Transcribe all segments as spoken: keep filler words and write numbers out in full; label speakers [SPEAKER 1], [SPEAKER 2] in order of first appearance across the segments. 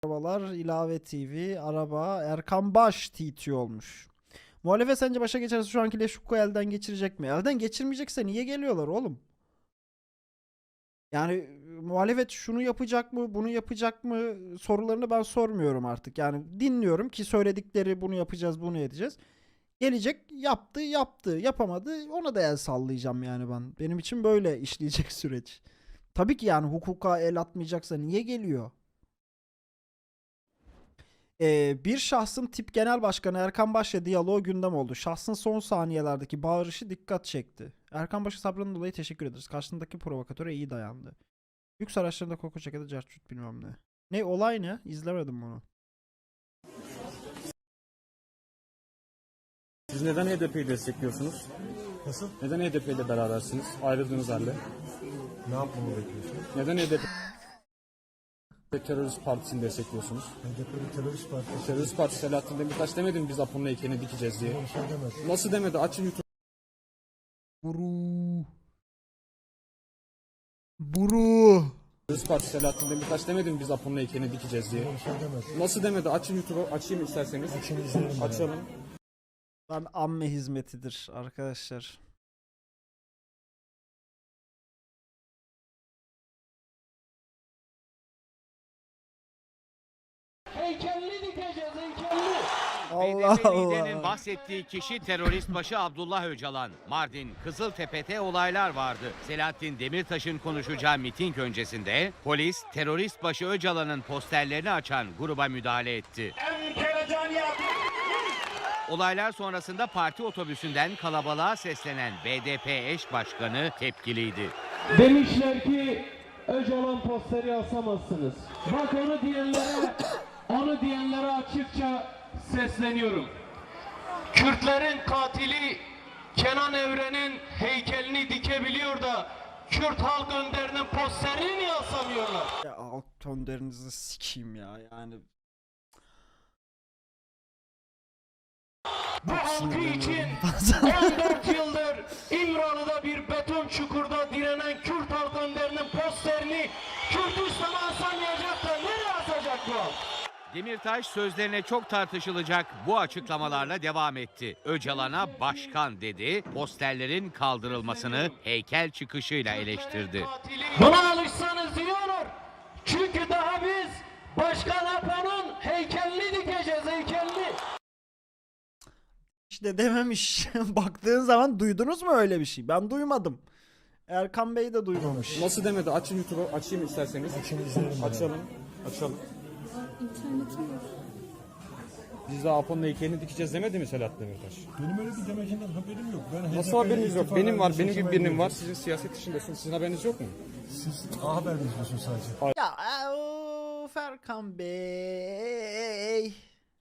[SPEAKER 1] Arabalar, ilave T V, araba, Erkan Baş T T olmuş. Muhalefet sence başa geçerse şu anki Leşukku elden geçirecek mi? Elden geçirmeyecekse niye geliyorlar oğlum? Yani e, muhalefet şunu yapacak mı, bunu yapacak mı sorularını ben sormuyorum artık. Yani dinliyorum ki söyledikleri bunu yapacağız, bunu edeceğiz. Gelecek, yaptı, yaptı, yapamadı. Ona da el sallayacağım yani ben. Benim için böyle işleyecek süreç. Tabii ki yani hukuka el atmayacaksa niye geliyor? Ee, bir şahsın tip genel başkanı Erkan Baş'la diyaloğu gündem oldu. Şahsın son saniyelerdeki bağırışı dikkat çekti. Erkan Baş'a sabrının dolayı teşekkür ederiz. Karşındaki provokatöre iyi dayandı. Lüks araçlarında koku çekedi, cartçut bilmem ne. Ne olay ne? İzlemedim bunu.
[SPEAKER 2] Siz neden H D P'yi destekliyorsunuz?
[SPEAKER 3] Nasıl?
[SPEAKER 2] Neden H D P ile berabersiniz? Ayrıldığınız halde.
[SPEAKER 3] Ne yapmamı bekliyorsun?
[SPEAKER 2] Neden H D P terörist partisini destekliyorsunuz?
[SPEAKER 3] H D P'li terörist partisi.
[SPEAKER 2] Terörist partisi Selahattin Demirtaş demedi mi biz Apo'nun heykelini dikeceğiz diye?
[SPEAKER 3] Bir şey demez.
[SPEAKER 2] Nasıl demedi? Açın YouTube.
[SPEAKER 1] Buru. Buru.
[SPEAKER 2] Terörist partisi Selahattin Demirtaş demedi mi biz Apo'nun heykelini dikeceğiz diye?
[SPEAKER 3] Bir şey demez.
[SPEAKER 2] Nasıl demedi? Açın YouTube'u. Açayım isterseniz.
[SPEAKER 3] Açın izleyelim. ben.
[SPEAKER 2] Açalım.
[SPEAKER 1] Ben amme hizmetidir arkadaşlar.
[SPEAKER 4] Heykelini dikeceğiz, heykelini.
[SPEAKER 1] Allah
[SPEAKER 5] B D P liderinin
[SPEAKER 1] Allah.
[SPEAKER 5] bahsettiği kişi terörist başı Abdullah Öcalan. Mardin, Kızıltepe'de olaylar vardı. Selahattin Demirtaş'ın konuşacağı miting öncesinde polis terörist başı Öcalan'ın posterlerini açan gruba müdahale etti. Olaylar sonrasında parti otobüsünden kalabalığa seslenen B D P eş başkanı tepkiliydi.
[SPEAKER 4] Demişler ki Öcalan posteri asamazsınız. Bak onu diyenlere, onu diyenlere açıkça sesleniyorum. Kürtlerin katili Kenan Evren'in heykelini dikebiliyor da Kürt halk önderinin posterini niye asamıyorlar?
[SPEAKER 1] Ya alt tonlarınızı sikeyim ya yani.
[SPEAKER 4] Bu halkı
[SPEAKER 1] sinirleniyorum
[SPEAKER 4] için
[SPEAKER 1] bazen.
[SPEAKER 4] on dört yıldır İmralı'da bir beton çukurda direnen Kürt halk önderinin posterini Kürtistan'a asamayacak da nereye asacak bu halk?
[SPEAKER 5] Demirtaş sözlerine çok tartışılacak bu açıklamalarla devam etti. Öcalan'a başkan dedi, posterlerin kaldırılmasını heykel çıkışıyla eleştirdi.
[SPEAKER 4] Buna alışsanız iyi olur. Çünkü daha biz Başkan Apo'nun heykelini dikeceğiz, heykelini.
[SPEAKER 1] İşte dememiş. Baktığın zaman duydunuz mu öyle bir şey? Ben duymadım. Erkan Bey de duymamış.
[SPEAKER 2] Nasıl demedi? Açın YouTube'u. Açayım isterseniz.
[SPEAKER 3] Açın izleyelim. ben.
[SPEAKER 2] Açalım. Açalım.
[SPEAKER 6] İnternetim yok.
[SPEAKER 2] Biz de Apo'nun heykelini dikeceğiz demedi mi Selahattin Demirtaş?
[SPEAKER 3] Benim öyle bir demecinden haberim yok. Ben
[SPEAKER 2] Nasıl
[SPEAKER 3] H D P'li
[SPEAKER 2] haberiniz yok?
[SPEAKER 3] istifa
[SPEAKER 2] Benim var.
[SPEAKER 3] vermiş
[SPEAKER 2] Benim gibi
[SPEAKER 3] seçime
[SPEAKER 2] birinin var.
[SPEAKER 3] gidiyorum.
[SPEAKER 2] Sizin siyaset dışındasınız. Sizin haberiniz yok mu?
[SPEAKER 3] Siz A Haber mi izliyorsunuz sadece?
[SPEAKER 1] Ya of Erkan Bey.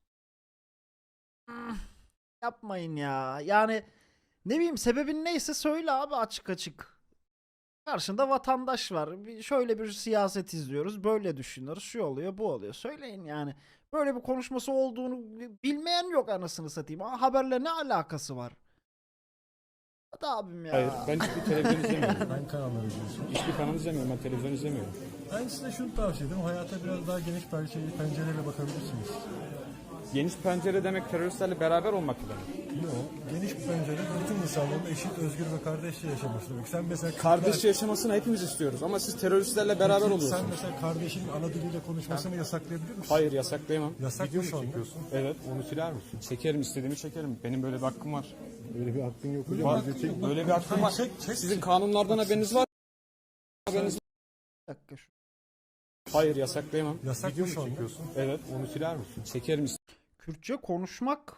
[SPEAKER 1] Hmm, Yapmayın ya. Yani ne bileyim sebebin neyse söyle abi açık açık. Karşında vatandaş var. Bir- Şöyle bir siyaset izliyoruz. Böyle düşünüyoruz. Şu oluyor, bu oluyor. Söyleyin yani. Böyle bir konuşması olduğunu bilmeyen yok anasını satayım. Aa, haberle ne alakası var? Hadi abim ya.
[SPEAKER 2] Hayır. Ben hiçbir televizyon izlemiyorum.
[SPEAKER 3] Ben kanalları izliyorsun.
[SPEAKER 2] Hiçbir kanal izlemiyorum. Ben televizyon izlemiyorum.
[SPEAKER 3] Ben size şunu tavsiye ederim. Hayata biraz daha geniş pencereyle, pencereyle bakabilirsiniz.
[SPEAKER 2] Geniş pencere demek teröristlerle beraber olmak demek.
[SPEAKER 3] Yok. Geniş bir pencere bütün insanların eşit, özgür ve kardeşçe yaşaması demek. Sen mesela
[SPEAKER 2] Kardeşçe yaşamasını hepimiz istiyoruz ama siz teröristlerle beraber
[SPEAKER 3] Sen
[SPEAKER 2] oluyorsunuz.
[SPEAKER 3] mesela kardeşinin ana diliyle konuşmasını yasaklayabilir misin?
[SPEAKER 2] Hayır yasaklayamam.
[SPEAKER 3] Yasak mı şu anda?
[SPEAKER 2] Evet. Onu siler misin? Çekerim, istediğimi çekerim. Benim böyle bir hakkım var.
[SPEAKER 3] Öyle bir hakkın yok. Öyle
[SPEAKER 2] Var.
[SPEAKER 3] bir hakkın yok.
[SPEAKER 2] Böyle bir hakkım var.
[SPEAKER 3] Çek, çek.
[SPEAKER 2] Sizin kanunlardan haberiniz var. Haberiniz var.
[SPEAKER 1] Bir dakika şu.
[SPEAKER 2] Hayır yasaklayamam.
[SPEAKER 3] Yasak mı şu anda?
[SPEAKER 2] Evet. Onu siler misin? Çekerim,
[SPEAKER 1] Kürtçe konuşmak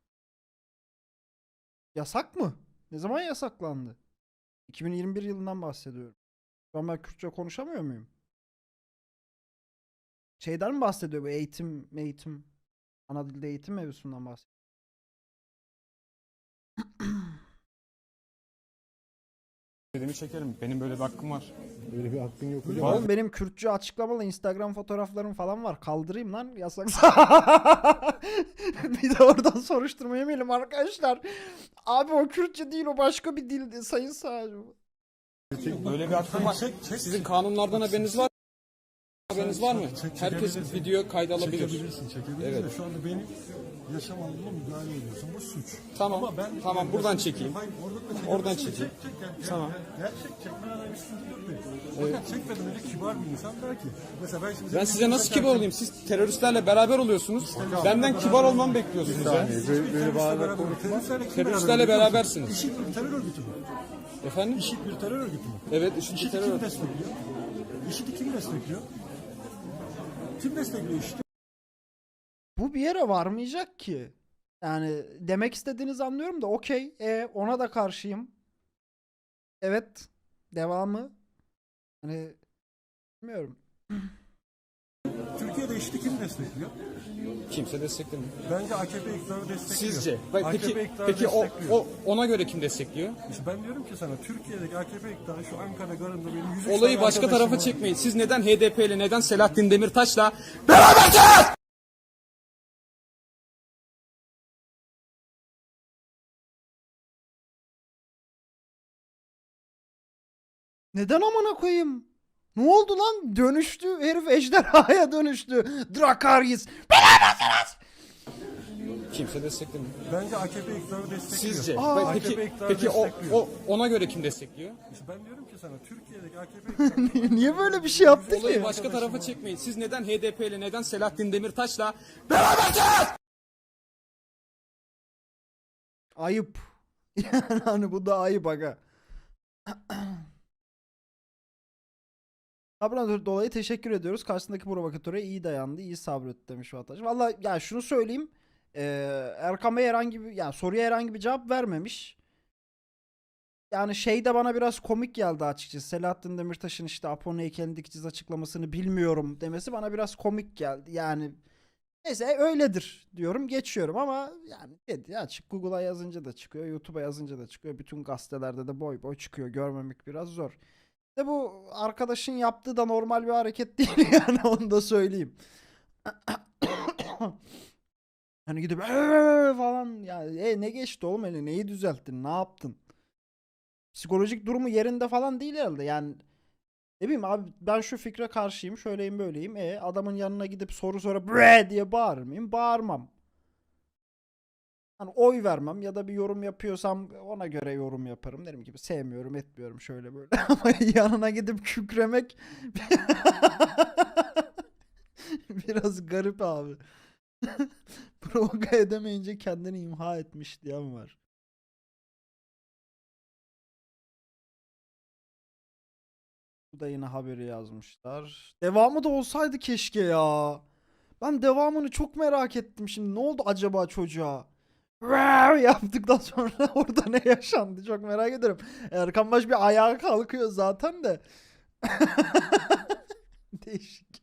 [SPEAKER 1] yasak mı? Ne zaman yasaklandı? iki bin yirmi bir yılından bahsediyorum. Şu an ben Kürtçe konuşamıyor muyum? Şeyden mi bahsediyor bu eğitim, eğitim, ana dilde eğitim mevzusundan bahsediyor.
[SPEAKER 2] istediğimi çekerim. Benim böyle bir hakkım var.
[SPEAKER 3] Öyle bir hakkın yok.
[SPEAKER 1] Oğlum benim Kürtçe açıklamalı Instagram fotoğraflarım falan var. Kaldırayım lan yasak. Bir de oradan soruşturma yemeyelim arkadaşlar. Abi o Kürtçe değil o başka bir dildi sayın savcım.
[SPEAKER 2] Böyle bir hakkım var.
[SPEAKER 3] Çek, çek.
[SPEAKER 2] Sizin kanunlardan haberiniz var. Haberiniz var mı?
[SPEAKER 3] Çek-
[SPEAKER 2] Herkes
[SPEAKER 3] çekebilirsin.
[SPEAKER 2] video kaydı alabilir.
[SPEAKER 3] Çekebilirsin, çekebilirsin.
[SPEAKER 2] Evet.
[SPEAKER 3] De şu anda benim yaşam alanıma müdahale ediyorsun. Bu suç.
[SPEAKER 2] Tamam,
[SPEAKER 3] Ama ben,
[SPEAKER 2] tamam,
[SPEAKER 3] ben-
[SPEAKER 2] buradan
[SPEAKER 3] ben-
[SPEAKER 2] çekeyim.
[SPEAKER 3] Hayır, oradan da çekebilirsin.
[SPEAKER 2] Oradan
[SPEAKER 3] de
[SPEAKER 2] çekeyim.
[SPEAKER 3] Çek, çek, gel, gel,
[SPEAKER 2] Tamam.
[SPEAKER 3] Gel, gel çek, çekmeden öyle bir sıkıntı yok benim. Fakat çekmeden önce kibar bir insan der ki. Mesela ben şimdi...
[SPEAKER 2] Ben size nasıl kibar olayım? Siz teröristlerle beraber oluyorsunuz. Benden kibar olmamı bekliyorsunuz ya.
[SPEAKER 3] Böyle beraber konuşma.
[SPEAKER 2] Teröristlerle berabersiniz.
[SPEAKER 3] İşit bir terör örgütü mü?
[SPEAKER 2] Efendim?
[SPEAKER 3] İşit bir terör örgütü mü?
[SPEAKER 2] Evet, IŞİD
[SPEAKER 3] İşit'i
[SPEAKER 2] terör
[SPEAKER 3] kim
[SPEAKER 2] örgütü.
[SPEAKER 3] destekliyor? İşit'i kim destekliyor? Kim destekliyor IŞİD'i?
[SPEAKER 1] Bu bir yere varmayacak ki. Yani demek istediğinizi anlıyorum da okey. E, ona da karşıyım. Evet. Devamı. Hani bilmiyorum.
[SPEAKER 3] Türkiye'de IŞİD'i kim destekliyor?
[SPEAKER 2] Kimse desteklemiyor.
[SPEAKER 3] Bence A K P iktidarı destekliyor.
[SPEAKER 2] Sizce? Bak,
[SPEAKER 3] A K P
[SPEAKER 2] Peki,
[SPEAKER 3] iktidarı
[SPEAKER 2] peki o,
[SPEAKER 3] destekliyor.
[SPEAKER 2] o ona göre kim destekliyor?
[SPEAKER 3] İşte ben diyorum ki sana Türkiye'deki A K P iktidarı şu Ankara garında benim yüz üç
[SPEAKER 2] Olayı
[SPEAKER 3] tane
[SPEAKER 2] başka
[SPEAKER 3] arkadaşım
[SPEAKER 2] tarafa
[SPEAKER 3] var.
[SPEAKER 2] çekmeyin. Siz neden H D P ile, neden Selahattin Demirtaş'la berabersiniz?
[SPEAKER 1] Neden amına koyayım? Ne oldu lan? Dönüştü. Herif ejderhaya dönüştü. Drakaris.
[SPEAKER 2] Kimse desteklemiyor.
[SPEAKER 3] Bence A K P iktidarı destekliyor.
[SPEAKER 2] Sizce?
[SPEAKER 1] Aa,
[SPEAKER 2] Bak,
[SPEAKER 3] A K P
[SPEAKER 2] peki
[SPEAKER 3] iktidarı
[SPEAKER 2] peki o,
[SPEAKER 3] destekliyor.
[SPEAKER 2] o ona göre kim destekliyor?
[SPEAKER 3] İşte ben diyorum ki sana Türkiye'deki A K P iktidarı
[SPEAKER 1] Niye böyle bir şey yaptı
[SPEAKER 2] Olayı
[SPEAKER 1] ki?
[SPEAKER 2] başka tarafa çekmeyin. Siz neden H D P ile, neden Selahattin Demirtaş'la berabersiniz?
[SPEAKER 1] Ayıp. Yani hani bu da ayıp aga. Abone dolayı teşekkür ediyoruz. Karşısındaki provokatöre iyi dayandı, iyi sabretti demiş vatandaş. Valla ya şunu söyleyeyim. Eee Erkan Bey herhangi bir yani soruya herhangi bir cevap vermemiş. Yani şey de bana biraz komik geldi açıkçası. Selahattin Demirtaş'ın işte Apo'nun heykelini dikeceğiz açıklamasını bilmiyorum demesi bana biraz komik geldi. Yani neyse öyledir diyorum geçiyorum ama yani dedi açık Google'a yazınca da çıkıyor, YouTube'a yazınca da çıkıyor. Bütün gazetelerde de boy boy çıkıyor. Görmemek biraz zor. De bu arkadaşın yaptığı da normal bir hareket değil yani onu da söyleyeyim. Hani gidip "Eee" falan ya e, ne geçti oğlum eli neyi düzelttin ne yaptın? Psikolojik durumu yerinde falan değil herhalde yani ne bileyim abi ben şu fikre karşıyım şöyleyim böyleyim e adamın yanına gidip soru sonra bre diye bağırır mıyım? Bağırmam. Hani oy vermem ya da bir yorum yapıyorsam ona göre yorum yaparım. Derim gibi sevmiyorum etmiyorum şöyle böyle. Ama yanına gidip kükremek biraz garip abi. Provoka edemeyince kendini imha etmiş diyen var. Bu da yine haberi yazmışlar. Devamı da olsaydı keşke ya. Ben devamını çok merak ettim şimdi. Ne oldu acaba çocuğa? Wow yaptıktan sonra orada ne yaşandı çok merak ederim. Erkan Baş bir ayağa kalkıyor zaten de. Değişik.